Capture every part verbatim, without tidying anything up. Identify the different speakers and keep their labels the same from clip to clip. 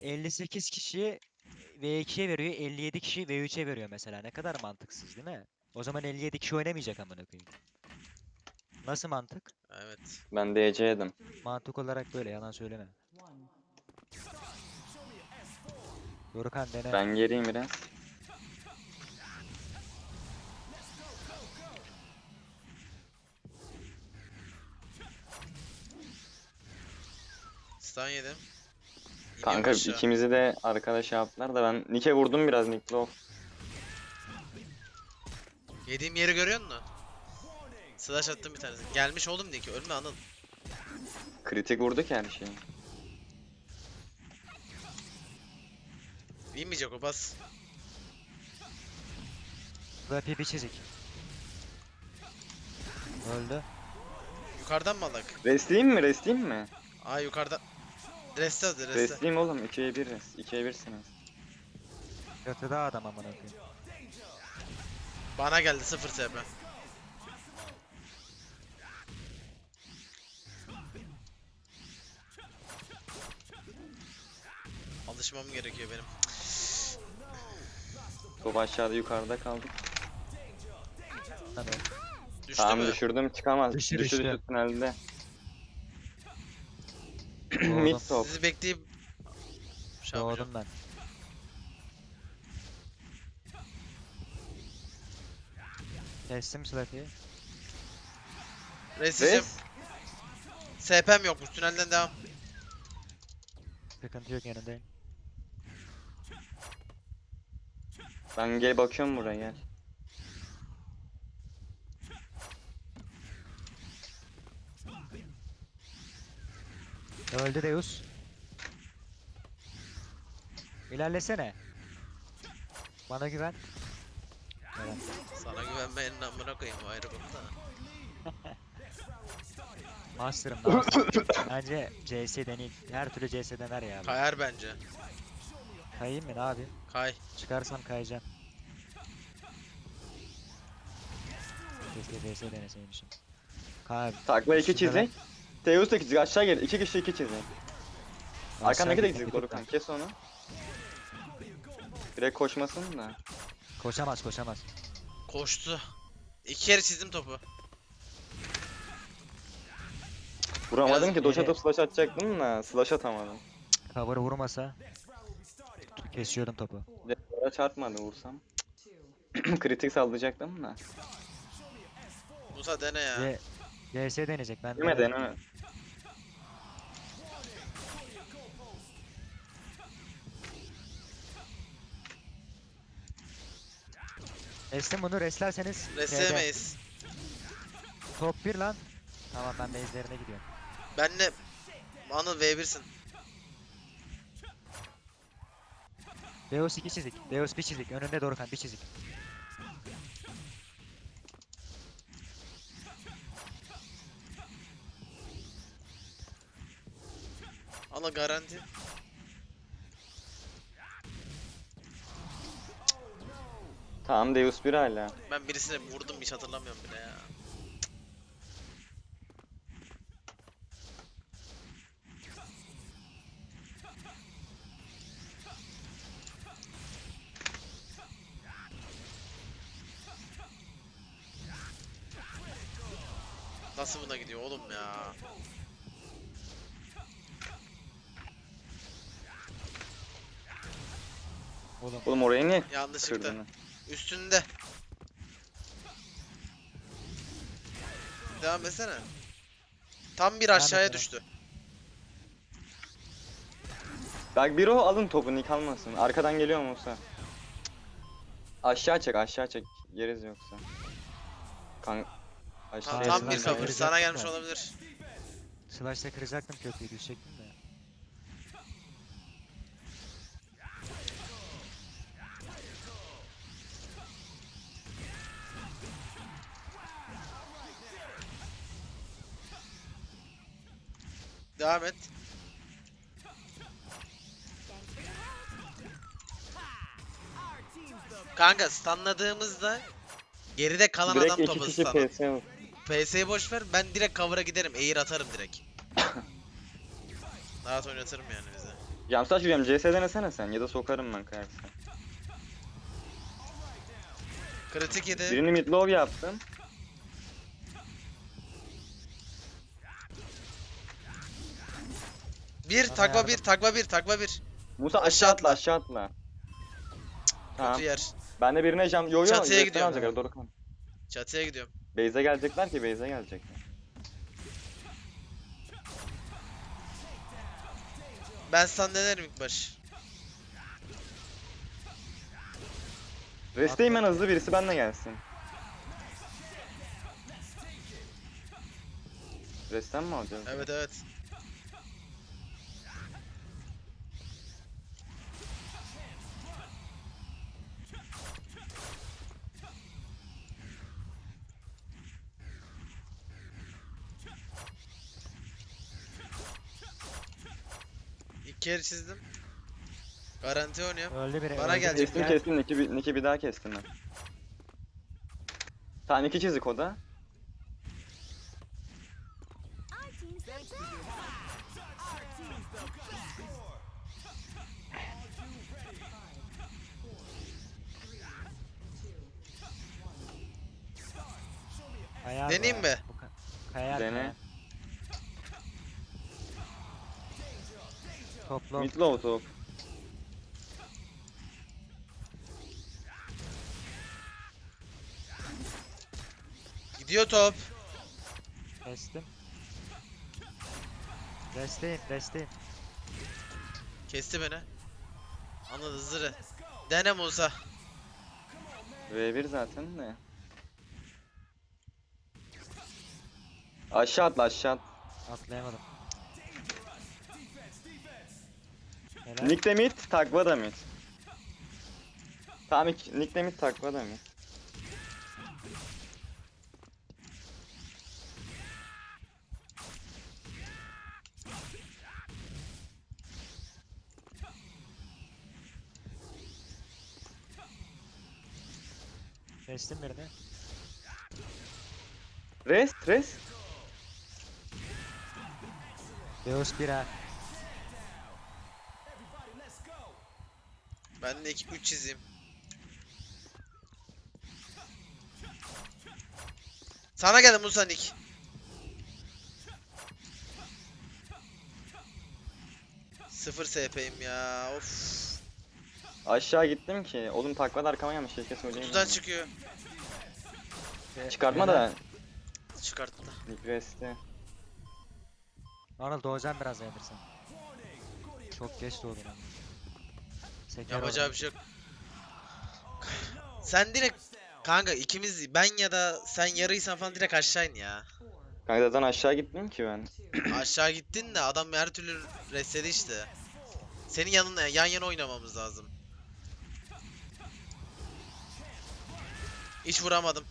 Speaker 1: elli sekiz kişi V ikiye veriyor, elli yedi kişi V üçe veriyor mesela. Ne kadar mantıksız değil mi? O zaman elli yedi kişi oynamayacak amına koyayım. Nasıl mantık?
Speaker 2: Evet.
Speaker 3: Ben D C yedim.
Speaker 1: Mantık olarak böyle, yalan söyleme. Dorukan dene.
Speaker 3: Ben geriyim biraz.
Speaker 2: Stun yedim. İniyorum
Speaker 3: Kanka
Speaker 2: aşağı.
Speaker 3: ikimizi de arkadaş yaptılar da ben Nick'e vurdum biraz Nick Low.
Speaker 2: Yediğim yeri görüyor musun? Slash attım bir tanesi. Gelmiş oğlum diye ki ölme Anıl.
Speaker 3: Kritik vurduk her şeyi.
Speaker 2: Binmeyecek o bas.
Speaker 1: Flappy bir çizik. Öldü.
Speaker 2: Yukarıdan mı alak?
Speaker 3: Restleyeyim mi? Restleyeyim mi?
Speaker 2: Aa yukarıda. Reste hadi reste.
Speaker 3: Restleyeyim oğlum. ikiye bir rest. ikiye birsiniz.
Speaker 1: Yatıda adam amına koyayım.
Speaker 2: Bana geldi sıfır T P. Alışmam gerekiyor benim.
Speaker 3: Top aşağıda yukarıda kaldık.
Speaker 1: Hadi.
Speaker 2: Düştü
Speaker 3: Tamam
Speaker 2: mü?
Speaker 3: düşürdüm çıkamaz.
Speaker 1: Düştü,
Speaker 3: Düştü
Speaker 1: düştü.
Speaker 3: düştü tünelde.
Speaker 1: Doğdum.
Speaker 3: Mid top.
Speaker 2: Sizi bekleyip şey yapacağım.
Speaker 1: Doğdum ben. Kestim Flappy'yi.
Speaker 2: Resteceğim.
Speaker 3: Res.
Speaker 2: S P'm yokmuş. Tünelden devam.
Speaker 1: Sıkıntı yok, yanındayım.
Speaker 3: Ben gel bakıyorum buraya gel.
Speaker 1: Öldü Deus. İlerlesene. Bana güven. Evet.
Speaker 2: Sana güvenmeyenin amına koyayım o ayrı konu da.
Speaker 1: Master'ım ne yapayım? Bence C S deneyim. Her türlü C S dener ya. bu.
Speaker 2: Kayar bence.
Speaker 1: Kayayım mı ne abi?
Speaker 2: Kay.
Speaker 1: Çıkarsam kayacağım. Keşke C S deneseymişim. Kay.
Speaker 3: Takla iki
Speaker 1: Üstündeler.
Speaker 3: çizik. Teus da çizik aşağı gel. İki kişi iki çizik. Arkandaki de
Speaker 1: Aşağı
Speaker 3: çizik
Speaker 1: gitmek
Speaker 3: Dorukan. Kes onu. Direkt koşmasın da.
Speaker 1: Koşamaz koşamaz.
Speaker 2: Koştu. İki kere çizdim topu.
Speaker 3: Vuramadım
Speaker 2: Biraz
Speaker 3: ki. Doş
Speaker 1: geri-
Speaker 3: atıp slash atacaktım da slash atamadım.
Speaker 1: Cover vurmasa kesiyordum topu.
Speaker 3: Bir de duvara çarpmadı vursam. Kritik sallayacaktım da.
Speaker 2: Musa dene ya.
Speaker 1: C C S deneyecek ben.
Speaker 3: Deneme
Speaker 1: denerim.
Speaker 3: deneme.
Speaker 1: Restim bunu reslerseniz T'de.
Speaker 2: Restleyemeyiz.
Speaker 1: Top bir lan. Tamam ben base'lerine gidiyorum.
Speaker 2: Benle Anıl V bir'sin.
Speaker 1: Deus iki çizik. Deus bir çizik. Önünde Dorukan bir çizik.
Speaker 2: Anıl garanti.
Speaker 3: Tamam Deus bir hala.
Speaker 2: Ben birisine vurdum hiç hatırlamıyorum bile ya. Nasıl buna gidiyor oğlum ya?
Speaker 1: Oğlum
Speaker 3: Oğlum oraya niye
Speaker 2: Yanlış çıktı.
Speaker 3: kırdın?
Speaker 2: Üstünde. Devam etsene. Tam bir aşağıya
Speaker 1: et,
Speaker 2: düştü.
Speaker 3: Bak bir o alın topu Nick almasın. Arkadan geliyor Musa. Aşağı çek aşağı çek. Yeriz yoksa. Kan aşağı
Speaker 2: Tam,
Speaker 1: Şey,
Speaker 2: tam bir
Speaker 1: Slash'la
Speaker 2: cover. Sana
Speaker 1: kıracaktım
Speaker 2: gelmiş
Speaker 1: da.
Speaker 2: olabilir.
Speaker 1: Slash'ta kıracaktım köprüyü, düşecektim de.
Speaker 2: Devam et. Kanka stunladığımızda geride kalan
Speaker 3: direkt
Speaker 2: adam
Speaker 3: iki
Speaker 2: topu
Speaker 3: kişi
Speaker 2: stunlar.
Speaker 3: P S vur.
Speaker 2: P S'yi boş ver. Ben direkt cover'a giderim. Air atarım direkt. Rahat oynatırım yani bize.
Speaker 3: Jamstaş yürüyorum. C S denesene sen ya da sokarım ben kayarsa.
Speaker 2: Kritik yedi.
Speaker 3: Birini midlow yaptım.
Speaker 2: Bir
Speaker 1: Bana
Speaker 2: takva bir
Speaker 1: yardım.
Speaker 2: takva bir takva bir.
Speaker 3: Musa
Speaker 2: Aşağı
Speaker 3: aşağı atla
Speaker 2: atla.
Speaker 3: aşağı atla. Tamam.
Speaker 2: Kötü yer.
Speaker 3: Ben de birine jam... Yo yo.
Speaker 2: Çatıya
Speaker 3: Resmen
Speaker 2: gidiyorum.
Speaker 3: alacaklar, doğru kan.
Speaker 2: Çatıya gidiyorum.
Speaker 3: Base'e gelecekler ki base'e gelecekler.
Speaker 2: Ben stun denerim ilk baş.
Speaker 3: Resteyim ben hızlı, birisi benimle gelsin. Resten mi alacağız?
Speaker 2: Evet evet. İlk kere çizdim. Garanti oynuyorum.
Speaker 1: Öldü biri.
Speaker 2: Bana
Speaker 1: öldü
Speaker 2: gelecek.
Speaker 1: biri.
Speaker 3: Kestim
Speaker 1: Gel.
Speaker 3: kestim, Nick'i bir, Nick'i bir daha kestim ben. Tamam iki çizik o da.
Speaker 1: Kayar
Speaker 2: Deneyeyim
Speaker 1: bu.
Speaker 2: mi?
Speaker 1: Bu ka- Kayar
Speaker 3: Dene.
Speaker 1: kayar. Toplu.
Speaker 3: Midlow top.
Speaker 2: Gidiyor top.
Speaker 1: Kestim. Resteyim resteyim.
Speaker 2: Kesti beni. Anladı zırı. Dene Musa.
Speaker 3: V bir zaten de. Aşağı atla aşağı at.
Speaker 1: Atlayamadım. Helal.
Speaker 3: Nick de mid, takva da mid. Tamam iki- Nick de mid, takva da mid.
Speaker 1: Kestim birini.
Speaker 3: Rest rest.
Speaker 1: Deus bir ha.
Speaker 2: Ben de iki üç çizeyim. Sana geldim Musa Nick. Sıfır S P'yim ya. Of.
Speaker 3: Aşağı gittim ki. Oğlum takva da arkama gelmiş, keşke söyleyeyim.
Speaker 2: Kutudan çıkıyor.
Speaker 3: Çıkartma da
Speaker 2: Çıkarttı.
Speaker 3: Nick resti.
Speaker 1: Arnold doğacağım biraz dayanırsan. Çok geç doğdun ama. Seker
Speaker 2: Yapacağı
Speaker 1: oradan.
Speaker 2: bir şey yok. Sen direkt kanka ikimiz ben ya da sen yarıysan falan direkt aşağı in ya.
Speaker 3: Kanka zaten aşağı gittim ki ben.
Speaker 2: Aşağı gittin de adam her türlü restledi işte. Senin yanına yan yana oynamamız lazım. Hiç vuramadım.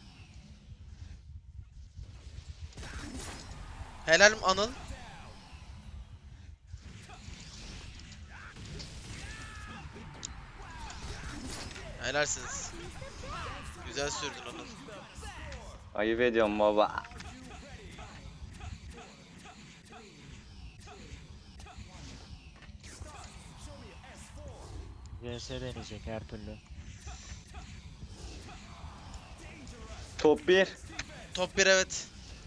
Speaker 2: Helal Anıl. Helalsiniz. Güzel sürdün Anıl.
Speaker 3: Ayıp ediyorum baba.
Speaker 1: V S deneyecek her türlü.
Speaker 3: Top bir.
Speaker 2: Top bir evet.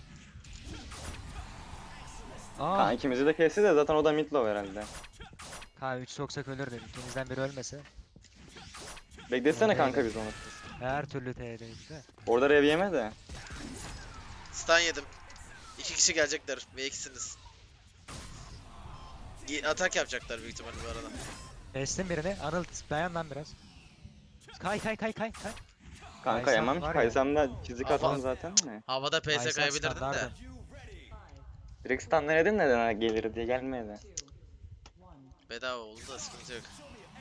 Speaker 1: Aa,
Speaker 3: Kanka ikimizi de kesti de zaten o da midlow herhalde.
Speaker 1: K üç soksak ölürdü. İkimizden biri ölmese.
Speaker 3: Beklesene
Speaker 1: Öyle
Speaker 3: kanka
Speaker 1: öyle.
Speaker 3: biz onu.
Speaker 1: Her türlü T'ye de.
Speaker 3: Orada rev yeme de.
Speaker 2: Stun yedim. İki kişi gelecekler ve ikisiniz. Gi- Atak yapacaklar büyük ihtimalle bu arada.
Speaker 1: Kestim birini. Arnold dayan lan biraz. Kay kay kay kay kay.
Speaker 3: Kanka
Speaker 1: Kaysam
Speaker 3: yemem ki,
Speaker 1: var ya.
Speaker 3: kaysam da çizik
Speaker 2: Ama-
Speaker 3: atalım zaten de.
Speaker 2: Havada P S
Speaker 1: Kaysan
Speaker 2: kayabilirdin de.
Speaker 1: standardı.
Speaker 3: Direkt stun denedim neden ha gelir diye gelmedi.
Speaker 2: Bedava oldu da sıkıntı yok.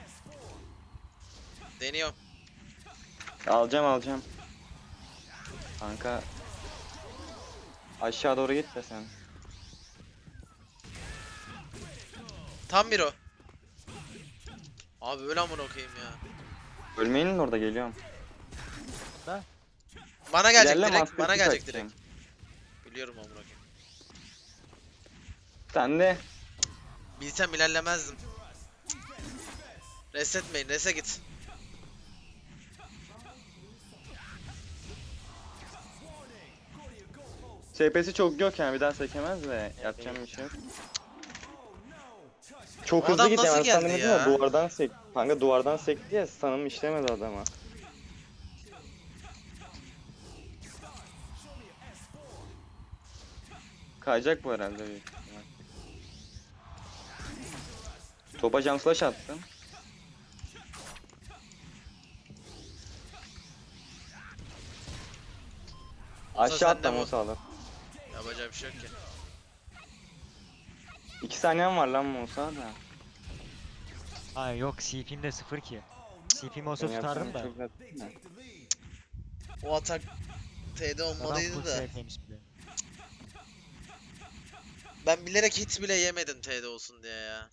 Speaker 2: Deniyorum.
Speaker 3: Alacağım alacağım. Kanka. Aşağı doğru git de sen.
Speaker 2: Tam bir o. Abi öyle amına koyayım ya.
Speaker 3: Ölmeyin orada, geliyorum.
Speaker 2: Bana gelecek
Speaker 3: İlerle,
Speaker 2: direkt.
Speaker 3: master
Speaker 2: Bana
Speaker 3: kick
Speaker 2: gelecek
Speaker 3: atacağım.
Speaker 2: direkt. Biliyorum amına koyayım.
Speaker 3: Sen de
Speaker 2: Bilsem ilerlemezdim. Resetmeyin, rese git.
Speaker 3: S P'si çok yok yani bir daha sekemez de yapacağım bir şey yok. Çok
Speaker 2: O
Speaker 3: hızlı
Speaker 2: adam
Speaker 3: gitti
Speaker 2: nasıl
Speaker 3: hemen
Speaker 2: geldi
Speaker 3: sandım
Speaker 2: ya?
Speaker 3: ya duvardan sek. Kanka duvardan sekti ya sanım işlemedi adama. Kayacak bu herhalde büyük ihtimal. Topa jump slash attım. Aşağı
Speaker 2: sen de
Speaker 3: atlam
Speaker 2: bu-
Speaker 3: o sağlam.
Speaker 2: Yapacak bir şey yok ki.
Speaker 3: İki saniyem var lan Musa da.
Speaker 1: Ha yok C P'm de sıfır ki. C P'm olsa
Speaker 3: Senin
Speaker 1: tutardım
Speaker 3: yapacağın
Speaker 1: da.
Speaker 3: çok net değil mi?
Speaker 2: O atak T'de
Speaker 1: Adam
Speaker 2: olmalıydı
Speaker 1: full
Speaker 2: da.
Speaker 1: S P'ymiş bile.
Speaker 2: Ben bilerek hit bile yemedim T'de olsun diye ya.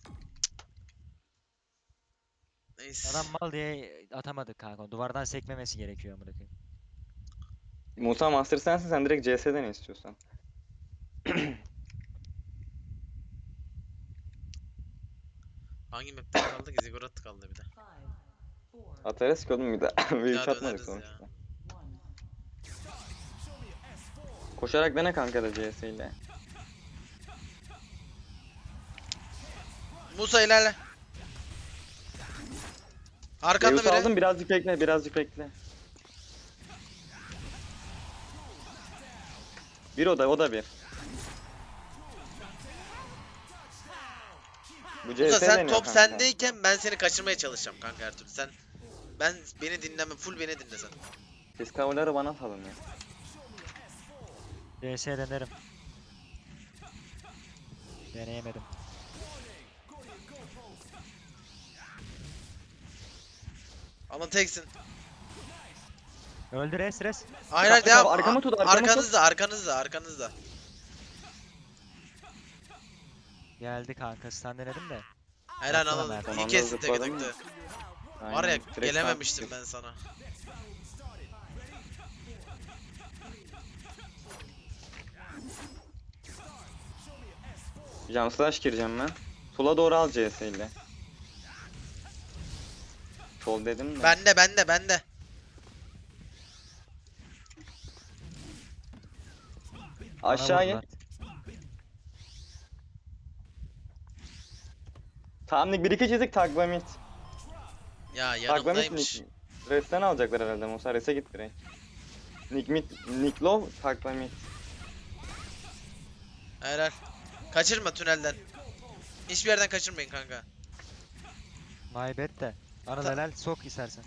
Speaker 2: Neyse.
Speaker 1: Adam mal diye atamadık kanka. Duvardan sekmemesi gerekiyor amına koyayım.
Speaker 3: Musa Master sensin sen direkt C S'den istiyorsan.
Speaker 2: Hangi map'te kaldı ki? Ziggurat kaldı bir de.
Speaker 3: Atarız ki oğlum bir de. Bir
Speaker 2: Ya
Speaker 3: hiç atmadık
Speaker 2: döneriz
Speaker 3: sonuçta.
Speaker 2: ya.
Speaker 3: Koşarak dene kanka da C S ile.
Speaker 2: Musa ilerle. Arkanda
Speaker 3: Zeus
Speaker 2: biri.
Speaker 3: aldım birazcık bekle birazcık bekle. Bir o da o da bir. Bu C S
Speaker 2: Musa sen
Speaker 3: deniyor
Speaker 2: top
Speaker 3: kanka.
Speaker 2: sendeyken ben seni kaçırmaya çalışacağım kanka her türlü. Sen ben beni dinleme, full beni dinle sen.
Speaker 3: Siz kavurları bana salın ya.
Speaker 1: D S denerim. Deneyemedim.
Speaker 2: Ama teksin.
Speaker 1: Öldü res res.
Speaker 2: Hayır hayır
Speaker 3: Kapı, kapı,
Speaker 2: devam.
Speaker 3: arkamı tut, arkamı tut.
Speaker 2: Arkanızda, arkanızda, arkanızda.
Speaker 1: Geldi kanka stun denedim de.
Speaker 2: Helal
Speaker 1: Baksana
Speaker 2: anladın.
Speaker 1: Mert.
Speaker 2: İyi
Speaker 3: Sonunda
Speaker 2: kestin tek
Speaker 3: zıpladım
Speaker 2: tek de.
Speaker 3: Aynen,
Speaker 2: Var ya
Speaker 3: direkt
Speaker 2: gelememiştim
Speaker 3: sağ-
Speaker 2: ben sana.
Speaker 3: Jump slash gireceğim ben. Sola doğru al C S ile. Sol dedim de.
Speaker 2: Bende, bende, bende.
Speaker 1: Bana
Speaker 3: Aşağı in.
Speaker 1: vurdular.
Speaker 3: Tamam bir iki çizik takla mid.
Speaker 2: Ya
Speaker 3: Takla mid
Speaker 2: yanımdaymış.
Speaker 3: Nick. Res'ten alacaklar herhalde Musa. Res'e git direkt. Nick mid, Nick low, takla mid.
Speaker 2: Helal. Kaçırma tünelden. Hiçbir yerden kaçırmayın kanka.
Speaker 1: My bad de. Anıl
Speaker 2: Ta-
Speaker 1: helal sok istersen.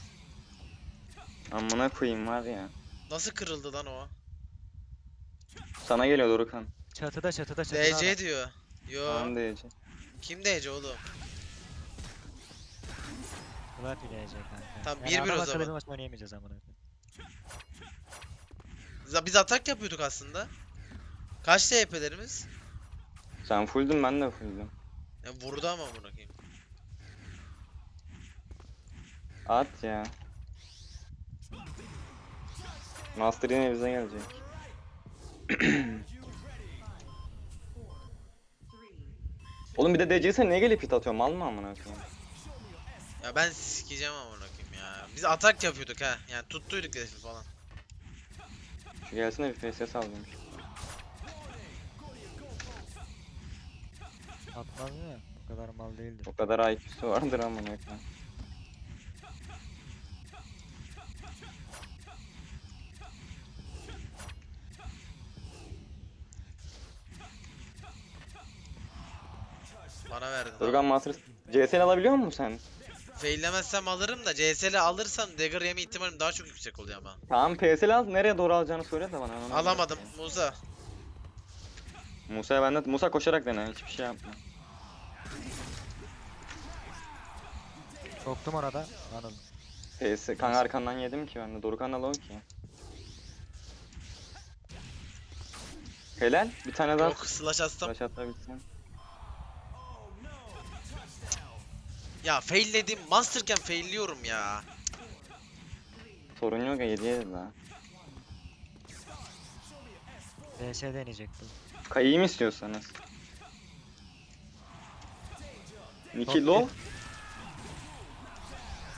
Speaker 3: Amına koyayım var ya.
Speaker 2: Nasıl kırıldı lan o?
Speaker 3: Sana geliyor Dorukan.
Speaker 1: Çatıda çatıda çatıda
Speaker 2: D
Speaker 1: adam.
Speaker 2: C diyor. Yo.
Speaker 3: Tamam diyece.
Speaker 2: Kim D C oğlum?
Speaker 1: Flappy D C kanka.
Speaker 2: Tamam,
Speaker 1: Yani
Speaker 2: bir bir o
Speaker 1: adam akıllı
Speaker 2: zaman.
Speaker 1: bir maç oynayamayacağız amına koyayım.
Speaker 2: Za- Biz atak yapıyorduk aslında. Kaç T P'lerimiz?
Speaker 3: Sen fulldün ben de fulldüm.
Speaker 2: Ya vurdu ama bunu koyayım.
Speaker 3: At ya. Master yine bize gelecek. Oğlum bir de D C'se niye gelip hit atıyor? Mal mı amına koyayım?
Speaker 2: Ya ben sikeceğim ama koyayım ya. Biz atak yapıyorduk ha. Yani tuttuyduk hedefi falan.
Speaker 3: Şu gelsene bir F S S alayım.
Speaker 1: Atmaz ya. O kadar mal değildir.
Speaker 3: O kadar I Q'su vardır amına koyayım.
Speaker 2: Bana verdin.
Speaker 3: Durgan Master C S'ni alabiliyor musun sen?
Speaker 2: Faillemezsem alırım da C S L alırsam dagger yeme ihtimalim daha çok yüksek oluyor ama.
Speaker 3: Tamam P S L al nereye doğru alacağını söyle de bana. ona göre
Speaker 2: Alamadım
Speaker 3: bakayım.
Speaker 2: Musa.
Speaker 3: Musa'ya ben de Musa koşarak dene hiçbir şey yapma.
Speaker 1: Soktum orada. Anıl.
Speaker 3: P S kanka arkandan yedim ki ben de Dorukan al o ki. Helal bir tane daha
Speaker 2: Yok slash astım.
Speaker 3: flash atabilsen.
Speaker 2: Ya failledim. Masterken failliyorum ya.
Speaker 3: Sorun yok ya yedi yedi daha.
Speaker 1: D S deneyecek bu.
Speaker 3: Kayayım istiyorsanız. Niki
Speaker 1: Çok
Speaker 3: low.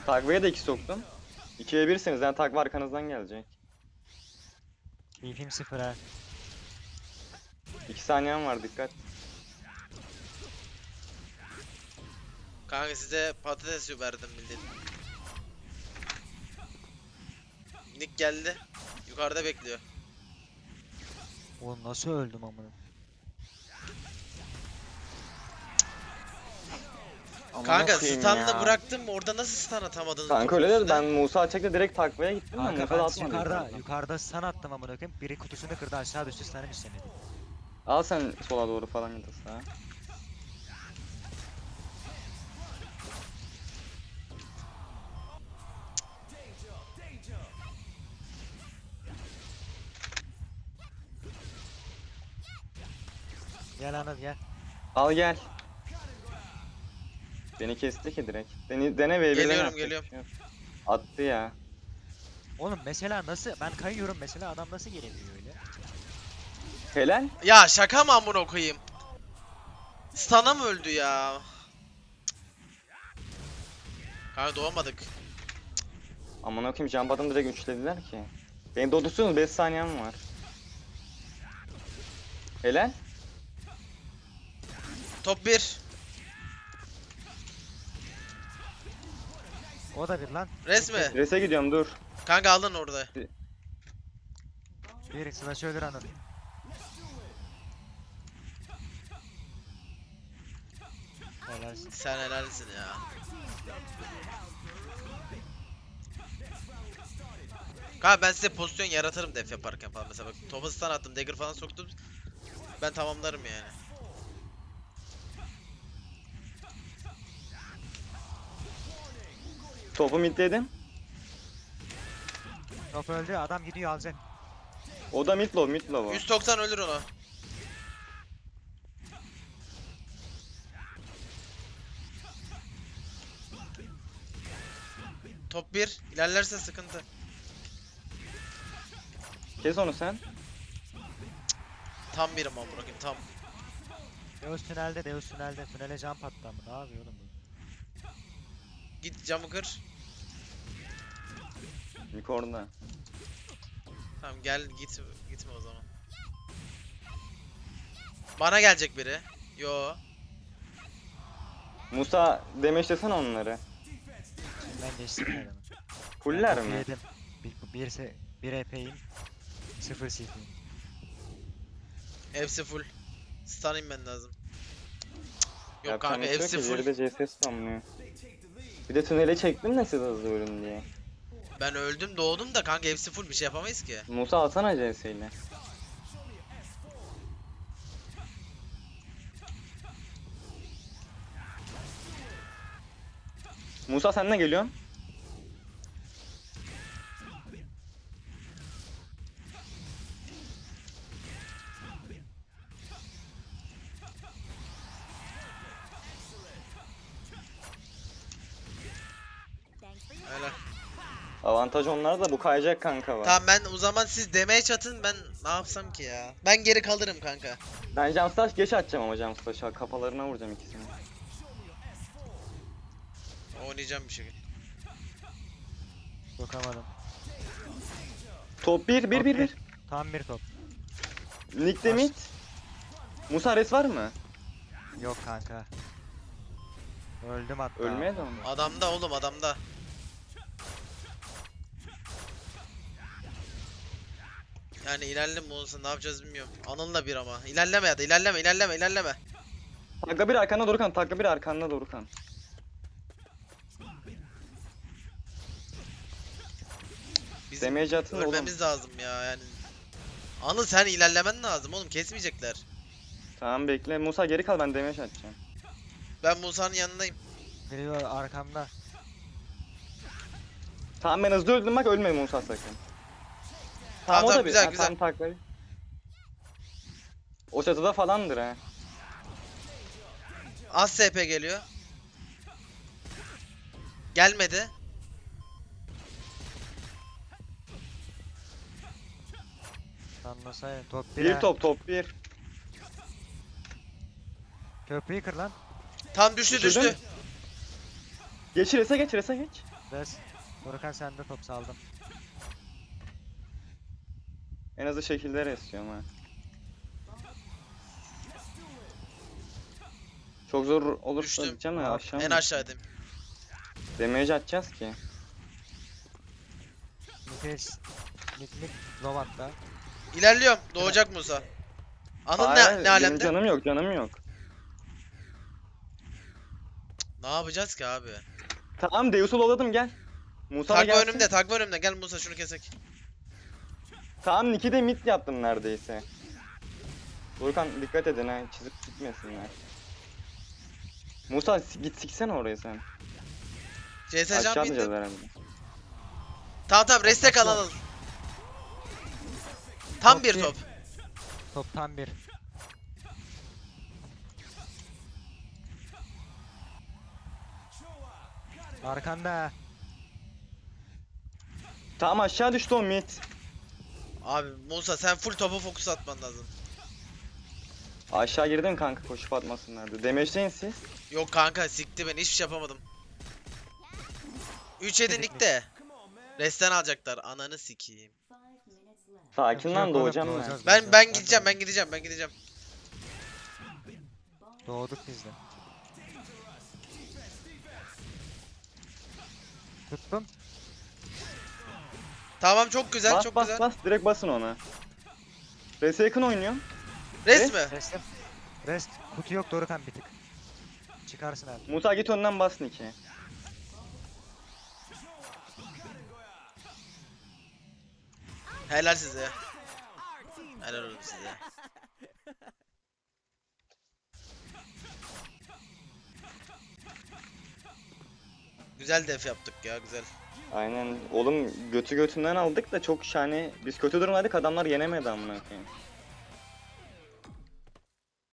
Speaker 3: Takviye de iki soktum. ikiye birsiniz yani takva arkanızdan gelecek.
Speaker 1: Keyfim sıfır ha.
Speaker 3: iki saniyen var dikkat.
Speaker 2: Kanka size patates verdim bildiğin. Nick geldi. Yukarıda bekliyor.
Speaker 1: Oğlum nasıl öldüm amına?
Speaker 3: Amına
Speaker 2: Kanka
Speaker 3: koyayım
Speaker 2: stun'la
Speaker 3: ya.
Speaker 2: bıraktım orada nasıl stun atamadınız?
Speaker 3: Kanka
Speaker 2: topun
Speaker 3: öyle dedi
Speaker 2: üstüne?
Speaker 3: ben Musa çekti direkt takvaya gittim de
Speaker 1: Kanka
Speaker 3: Musa da
Speaker 1: ben
Speaker 3: atmadı.
Speaker 1: yukarıda,
Speaker 3: yukarıdan.
Speaker 1: yukarıda stun attım amına koyayım. Biri kutusunu kırdı aşağı düştü stun'ım istemedi.
Speaker 3: Al sen sola doğru falan ya da sağa.
Speaker 1: Gel Anıl gel.
Speaker 3: Al gel. Beni kesti ki direkt. Dene, dene ve
Speaker 2: Geliyorum, geliyorum.
Speaker 3: Attı ya.
Speaker 1: Oğlum mesela nasıl ben kayıyorum mesela adam nasıl gelemiyor öyle?
Speaker 3: Helal.
Speaker 2: Ya şaka mı amına koyayım? Stun'a mı öldü ya? Kanka doğamadık.
Speaker 3: Aman okuyayım Jump'dan direkt üçlediler ki. Beni dodursunuz beş saniyem var. Helal.
Speaker 2: Top bir.
Speaker 1: O da bir lan.
Speaker 2: Resmi.
Speaker 3: Rese gidiyorum dur.
Speaker 2: Kanka alın orada.
Speaker 1: Bir slash ölür Anıl. Helalsin.
Speaker 2: Sen helalsin ya. Kanka ben size pozisyon yaratırım def yaparken falan mesela bak topa stun attım dagger falan soktum. Ben tamamlarım yani.
Speaker 3: Topu midledim.
Speaker 1: Top öldü adam gidiyor alacak.
Speaker 3: O da mid low mid low o.
Speaker 2: yüz doksan ölür onu. Top bir ilerlerse sıkıntı.
Speaker 3: Kes onu sen.
Speaker 2: Tam birim ama bırakayım tam.
Speaker 1: Deus tünelde Deus tünelde. Tünele jump attı ama ne yapıyor oğlum bu?
Speaker 2: Git camı kır.
Speaker 3: Mik orada.
Speaker 2: Tamam gel git gitme o zaman. Bana gelecek biri. Yo.
Speaker 3: Musa demeçlesene onları.
Speaker 1: Ben geçtim adamı.
Speaker 3: Fuller
Speaker 1: Ben
Speaker 3: mi?
Speaker 1: Yedim. Bir, bir, se, bir E P'yim. Sıfır C P'yim.
Speaker 2: Hepsi full. Stun inmen lazım. Yok
Speaker 3: Yapacağım
Speaker 2: kanka
Speaker 3: bir şey yok
Speaker 2: hepsi
Speaker 3: ki,
Speaker 2: full.
Speaker 3: diğeri de C S spamlıyor. Bir de tünele çektim de siz hızlı ölün diye.
Speaker 2: Ben öldüm doğdum da kanka hepsi full bir şey yapamayız ki.
Speaker 3: Musa alsana C S ile. Musa sen ne geliyorsun?
Speaker 2: Öyle.
Speaker 3: Avantaj onlar da bu kayacak kanka var.
Speaker 2: Tamam ben o zaman siz demeye çatın ben ne yapsam ki ya. Ben geri kalırım kanka.
Speaker 3: Ben Jumpstash geç atacağım ama Jumpstash'a kafalarına vuracağım ikisini.
Speaker 2: Oynayacağım bir şekilde.
Speaker 1: Sokamadım.
Speaker 3: Top bir bir bir bir.
Speaker 1: Tam bir top.
Speaker 3: Nick de mid. Musa res var mı?
Speaker 1: Yok kanka. Öldüm hatta.
Speaker 3: Ölmeye de mi?
Speaker 2: Adamda oğlum adamda. Yani ilerleme mi olsun ne yapacağız bilmiyorum. Anıl'la bir ama. İlerleme ya da ilerleme ilerleme ilerleme.
Speaker 3: Takla bir arkanda Dorukan, takla bir arkanda Dorukan.
Speaker 2: Bizim
Speaker 3: Damage atın oğlum.
Speaker 2: ölmemiz lazım ya yani. Anıl sen ilerlemen lazım oğlum kesmeyecekler.
Speaker 3: Tamam bekle. Musa geri kal ben damage atacağım.
Speaker 2: Ben Musa'nın yanındayım.
Speaker 1: Biri var arkamda.
Speaker 3: Tamam ben hızlı öldüm bak ölme Musa sakın.
Speaker 2: Tamam,
Speaker 3: o
Speaker 2: tamam,
Speaker 3: da bir-
Speaker 2: güzel,
Speaker 3: ha,
Speaker 2: güzel.
Speaker 3: Tamam takla. O çatıda falandır ha.
Speaker 2: Az S P geliyor. Gelmedi.
Speaker 1: Sanmasaydım. Top bir.
Speaker 3: Bir
Speaker 1: ha.
Speaker 3: top top bir.
Speaker 1: Köprüyü kır lan.
Speaker 2: Tam düştü
Speaker 3: Düşürdün.
Speaker 2: düştü.
Speaker 3: Geç rese geç rese geç.
Speaker 1: Res. Dorukan sende top saldım.
Speaker 3: En hızlı şekilde resiyorum ha. Çok zor olursa
Speaker 2: Düştüm.
Speaker 3: diyeceğim ya
Speaker 1: Aa,
Speaker 3: aşağı
Speaker 2: En
Speaker 3: mı?
Speaker 2: aşağıdayım.
Speaker 3: Damage atacağız ki.
Speaker 1: Nefes. Mid mid. Lovan'da.
Speaker 2: İlerliyorum. Doğacak Musa. Anıl
Speaker 3: Hayır,
Speaker 2: ne, ne
Speaker 3: benim
Speaker 2: alemde?
Speaker 3: canım yok, canım yok.
Speaker 2: Ne yapacağız ki abi?
Speaker 3: Tamam Deus'u lolladım gel. Musa da
Speaker 2: Takva
Speaker 3: gelsin.
Speaker 2: önümde, takva önümde. Gel Musa şunu kesek.
Speaker 3: Tamam Nick'i de mid yaptım neredeyse. Volkan dikkat edin ha, çizip gitmesinler. Musa s- git siksene oraya sen.
Speaker 2: C S
Speaker 3: Aşağı
Speaker 2: can
Speaker 3: atlayacağız
Speaker 2: bindim.
Speaker 3: herhalde.
Speaker 2: Tamam tamam restek al Anıl. Tam
Speaker 1: Top
Speaker 2: bir
Speaker 1: bir.
Speaker 2: top.
Speaker 1: Top tam bir. Arkanda.
Speaker 3: Tamam aşağı düştü o mid.
Speaker 2: Abi Musa sen full topa fokus atman lazım.
Speaker 3: Aşağı girdim kanka koşup atmasınlardı. Damage'deyin siz.
Speaker 2: Yok kanka sikti beni hiçbir şey yapamadım. üç yedi
Speaker 1: Dedik mi?
Speaker 2: nickte. Resten alacaklar. Ananı sikeyim.
Speaker 3: Sakin lan
Speaker 1: Yok oğlum,
Speaker 3: doğacağım ben.
Speaker 1: doğacağız,
Speaker 2: Ben
Speaker 1: doğacağız.
Speaker 2: ben
Speaker 1: de
Speaker 2: gideceğim ben
Speaker 1: doğdum.
Speaker 2: gideceğim ben gideceğim.
Speaker 1: Doğduk biz de. Tuttum.
Speaker 2: Tamam çok güzel
Speaker 3: Bas
Speaker 2: çok
Speaker 3: bas
Speaker 2: güzel.
Speaker 3: bas direkt basın ona. Rese yakın oynuyorum.
Speaker 2: Res mi?
Speaker 1: Restim. Rest. Kutu yok Dorukan bir tık. Çıkarsın abi.
Speaker 3: Musa git önden bas Nick'e.
Speaker 2: Helal size. Helal olsun size. Güzel def yaptık ya güzel.
Speaker 3: Aynen oğlum götü götünden aldık da çok şahane. Biz kötü durumdaydık adamlar yenemedi amına koyayım.